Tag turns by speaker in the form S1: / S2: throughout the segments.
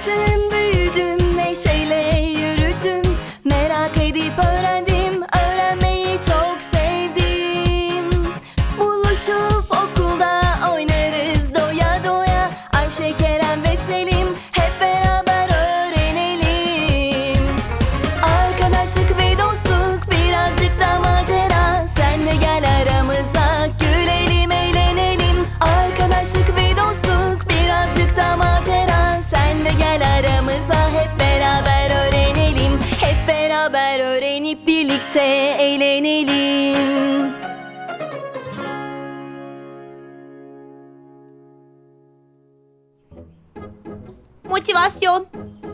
S1: Küçüktüm, büyüdüm, neşeyle yürüdüm. Merak edip öğrendim, öğrenmeyi çok sevdim. Buluşup okulda oynarız doya doya. Ayşe, Kerem ve Selim hep beraber öğrenelim. Arkadaşlık ve dostluk, birazcık da macera. Sen de gel aramıza, gülelim, eğlenelim. Arkadaşlık ve dostluk, birazcık da macera. Sen de gel aramıza, hep beraber öğrenelim. Hep beraber öğrenip birlikte eğlenelim.
S2: Motivasyon.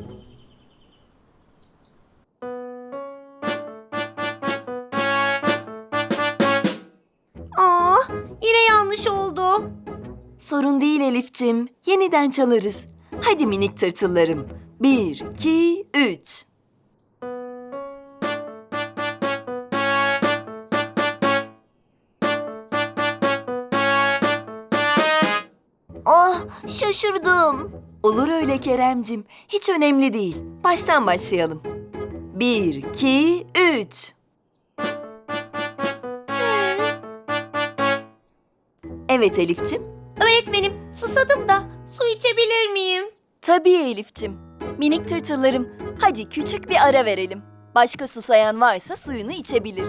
S2: Yine yanlış oldu.
S1: Sorun değil Elif'cim, yeniden çalarız. Hadi minik tırtıllarım. 1, 2, 3.
S2: Şaşırdım.
S1: Olur öyle Keremcim, hiç önemli değil. Baştan başlayalım. 1, 2, 3. Evet Elif'cim.
S2: Öğretmenim, susadım da su içebilir miyim?
S1: Tabii Elif'cim. Minik tırtıllarım, hadi küçük bir ara verelim. Başka susayan varsa suyunu içebilir.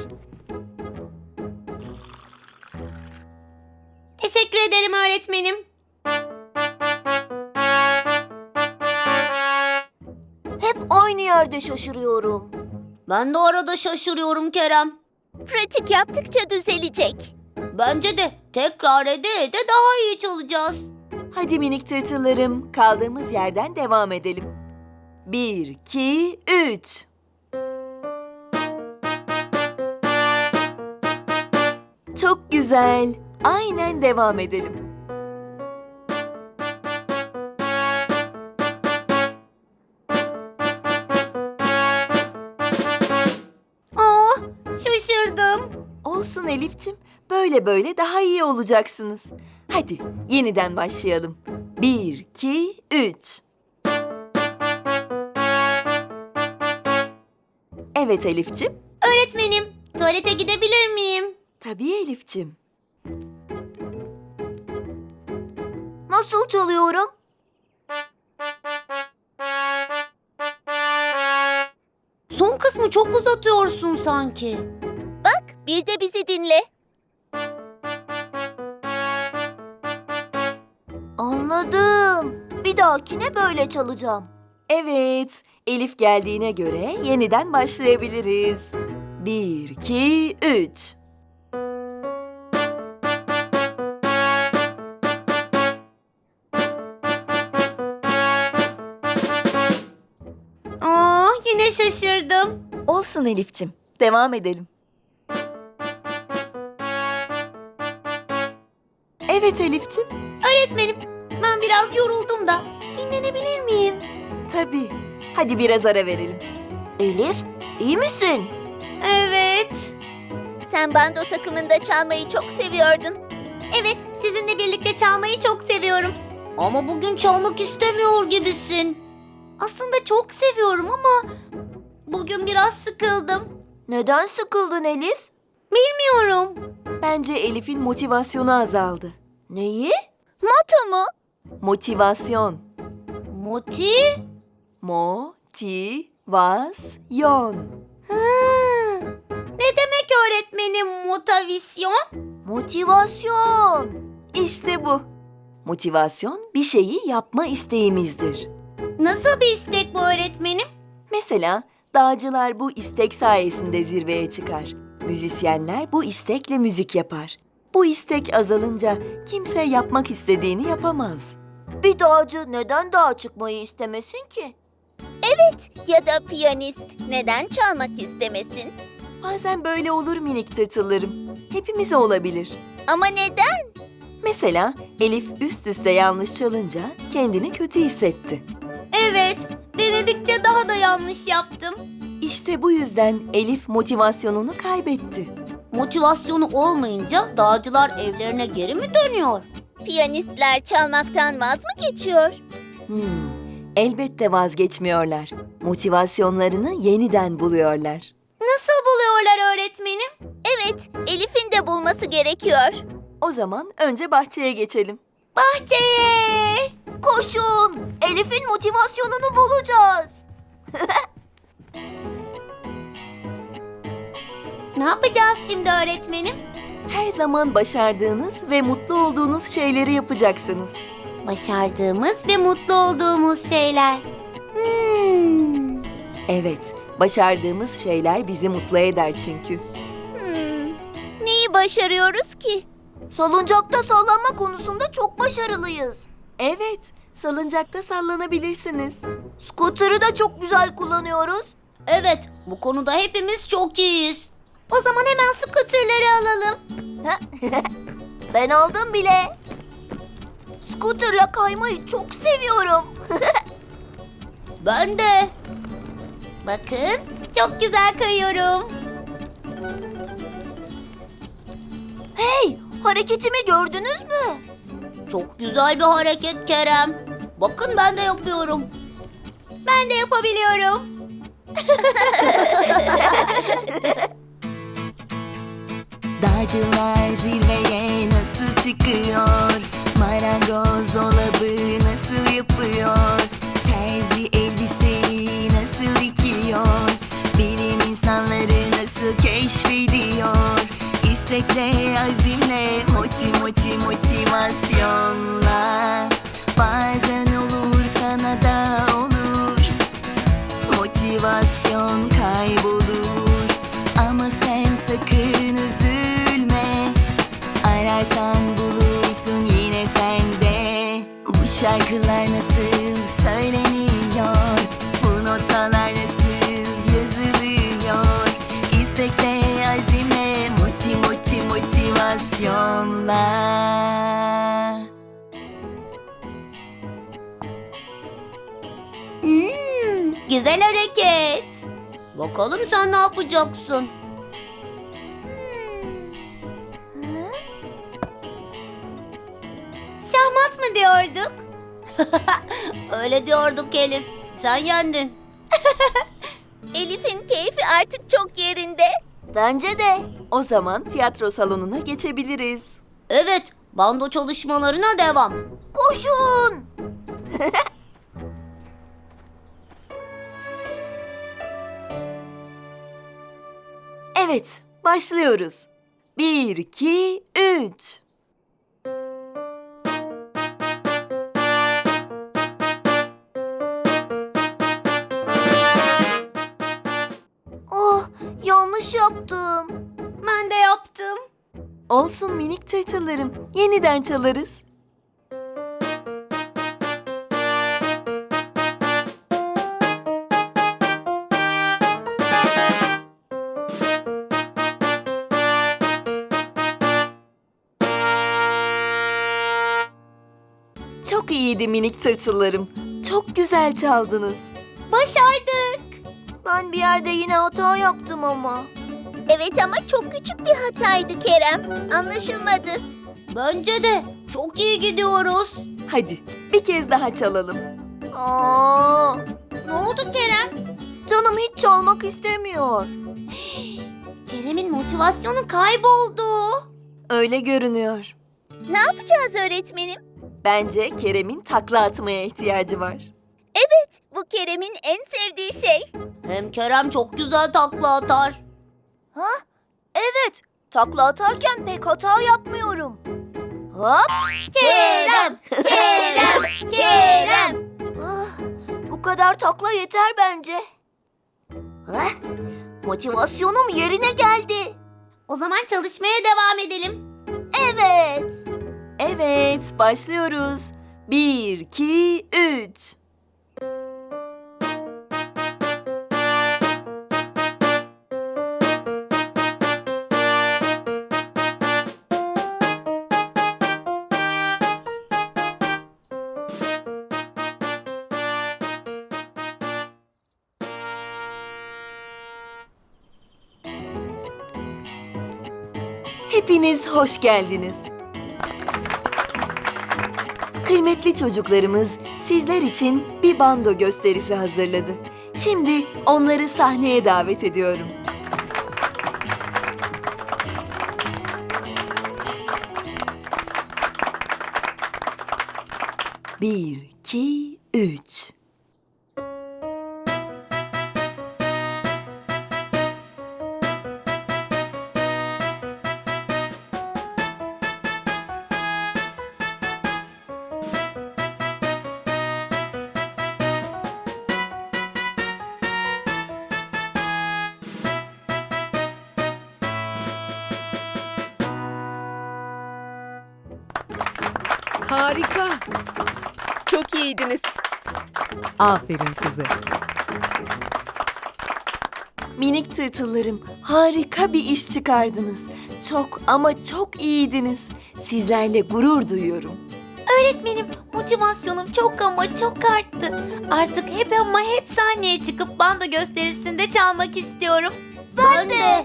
S2: Teşekkür ederim öğretmenim.
S3: Hep aynı yerde şaşırıyorum.
S2: Ben de arada şaşırıyorum Kerem.
S3: Pratik yaptıkça düzelecek.
S2: Bence de tekrar ede ede daha iyi çalacağız.
S1: Hadi minik tırtıllarım, kaldığımız yerden devam edelim. 1, 2, 3. Çok güzel. Aynen devam edelim.
S2: Şaşırdım.
S1: Olsun Elif'cim, böyle böyle daha iyi olacaksınız. Hadi yeniden başlayalım. 1, 2, 3. Evet Elif'cim.
S2: Öğretmenim, tuvalete gidebilir miyim?
S1: Tabii Elif'cim.
S3: Nasıl çalıyorum?
S2: Son kısmı çok uzatıyorsun sanki.
S3: Bak, bir de bizi dinle. Anladım. Bir dahakine böyle çalacağım.
S1: Evet, Elif geldiğine göre yeniden başlayabiliriz. 1, 2, 3.
S2: Yine şaşırdım.
S1: Olsun Elif'cim, devam edelim. Evet Elif'cim.
S2: Öğretmenim, ben biraz yoruldum da dinlenebilir miyim?
S1: Tabii. Hadi biraz ara verelim.
S3: Elif, iyi misin?
S2: Evet.
S3: Sen bando takımında çalmayı çok seviyordun.
S2: Evet, sizinle birlikte çalmayı çok seviyorum. Ama bugün çalmak istemiyor gibisin. Aslında çok seviyorum ama bugün biraz sıkıldım.
S3: Neden sıkıldın Elif?
S2: Bilmiyorum.
S1: Bence Elif'in motivasyonu azaldı.
S3: Neyi? Moto mu?
S1: Motivasyon. Motivasyon.
S2: Ne demek öğretmenim motivasyon?
S3: Motivasyon.
S1: İşte bu. Motivasyon bir şeyi yapma isteğimizdir.
S2: Nasıl bir istek bu öğretmenim?
S1: Mesela dağcılar bu istek sayesinde zirveye çıkar. Müzisyenler bu istekle müzik yapar. Bu istek azalınca kimse yapmak istediğini yapamaz.
S3: Bir dağcı neden dağa çıkmayı istemesin ki? Evet, ya da piyanist neden çalmak istemesin?
S1: Bazen böyle olur minik tırtıllarım. Hepimize olabilir.
S3: Ama neden?
S1: Mesela Elif üst üste yanlış çalınca kendini kötü hissetti.
S2: Evet, denedikçe daha da yanlış yaptım.
S1: İşte bu yüzden Elif motivasyonunu kaybetti.
S2: Motivasyonu olmayınca dağcılar evlerine geri mi dönüyor?
S3: Piyanistler çalmaktan vaz mı geçiyor?
S1: elbette vazgeçmiyorlar. Motivasyonlarını yeniden buluyorlar.
S2: Nasıl buluyorlar öğretmenim?
S3: Evet, Elif'in de bulması gerekiyor.
S1: O zaman önce bahçeye geçelim.
S2: Bahçeye!
S3: Koşun! Elif'in motivasyonunu bulacağız.
S2: Ne yapacağız şimdi öğretmenim?
S1: Her zaman başardığınız ve mutlu olduğunuz şeyleri yapacaksınız.
S2: Başardığımız ve mutlu olduğumuz şeyler.
S1: Evet, başardığımız şeyler bizi mutlu eder çünkü.
S3: Neyi başarıyoruz ki? Salıncakta sallanma konusunda çok başarılıyız.
S1: Evet, salıncakta sallanabilirsiniz.
S3: Scooter'ı da çok güzel kullanıyoruz.
S2: Evet, bu konuda hepimiz çok iyiyiz. O zaman hemen scooter'ları alalım.
S3: Ben aldım bile. Scooter'la kaymayı çok seviyorum.
S2: Ben de. Bakın, çok güzel kayıyorum.
S3: Hey, hareketimi gördünüz mü?
S2: Çok güzel bir hareket Kerem. Bakın ben de yapıyorum. Ben de yapabiliyorum.
S1: Dağcılar zirveye nasıl çıkıyor? Marangoz dolabı nasıl yapıyor? Terzi elbiseyi nasıl dikiyor? Bilim insanları nasıl keşfediyor? İstekle, azimle, motivasyonla. Bazen olur, sana da olur. Motivasyon kaybolur. Ama sen sakın üzülme. Ararsan bulursun yine sende. Bu şarkılar nasıl söyleniyor? Bu notalar nasıl yazılıyor? İstekle, azimle, motivasyonla.
S2: Güzel hareket. Bakalım sen ne yapacaksın? Şahmat mı diyorduk? Öyle diyorduk Elif. Sen yendin.
S3: Elif'in keyfi artık çok yerinde. Bence de.
S1: O zaman tiyatro salonuna geçebiliriz.
S2: Evet, bando çalışmalarına devam.
S3: Koşun!
S1: Evet, başlıyoruz. 1, 2, 3.
S3: Oh, yanlış yaptım.
S2: Ben de yaptım.
S1: Olsun minik tırtıllarım, yeniden çalarız. Çok iyiydi minik tırtıllarım. Çok güzel çaldınız.
S2: Başardık.
S3: Ben bir yerde yine hata yaptım ama. Evet ama çok küçük bir hataydı Kerem. Anlaşılmadı.
S2: Bence de. Çok iyi gidiyoruz.
S1: Hadi bir kez daha çalalım.
S3: Aa,
S2: Ne oldu Kerem?
S3: canım hiç çalmak istemiyor.
S2: Kerem'in motivasyonu kayboldu.
S1: Öyle görünüyor.
S3: Ne yapacağız öğretmenim?
S1: Bence Kerem'in takla atmaya ihtiyacı var.
S3: Evet, bu Kerem'in en sevdiği şey.
S2: Hem Kerem çok güzel takla atar.
S3: Ha? Evet, takla atarken pek hata yapmıyorum. Hop!
S2: Kerem, Kerem, Kerem.
S3: Ah, bu kadar takla yeter bence. Hah, motivasyonum yerine geldi.
S2: O zaman çalışmaya devam edelim.
S3: Evet.
S1: Evet, başlıyoruz. 1, 2, 3. Hepiniz hoş geldiniz. Kıymetli çocuklarımız sizler için bir bando gösterisi hazırladı. Şimdi onları sahneye davet ediyorum. Bir, iki, üç.
S4: Harika. Çok iyiydiniz. Aferin size.
S1: Minik tırtıllarım, harika bir iş çıkardınız. Çok ama çok iyiydiniz. Sizlerle gurur duyuyorum.
S2: Öğretmenim, motivasyonum çok ama çok arttı. Artık hep sahneye çıkıp bando gösterisinde çalmak istiyorum. Ben de.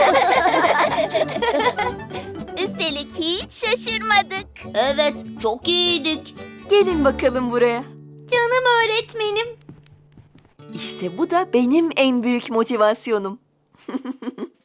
S3: Üstelik hiç şaşırmadık.
S2: Evet, çok iyiydik.
S1: Gelin bakalım buraya.
S2: Canım öğretmenim.
S1: İşte bu da benim en büyük motivasyonum.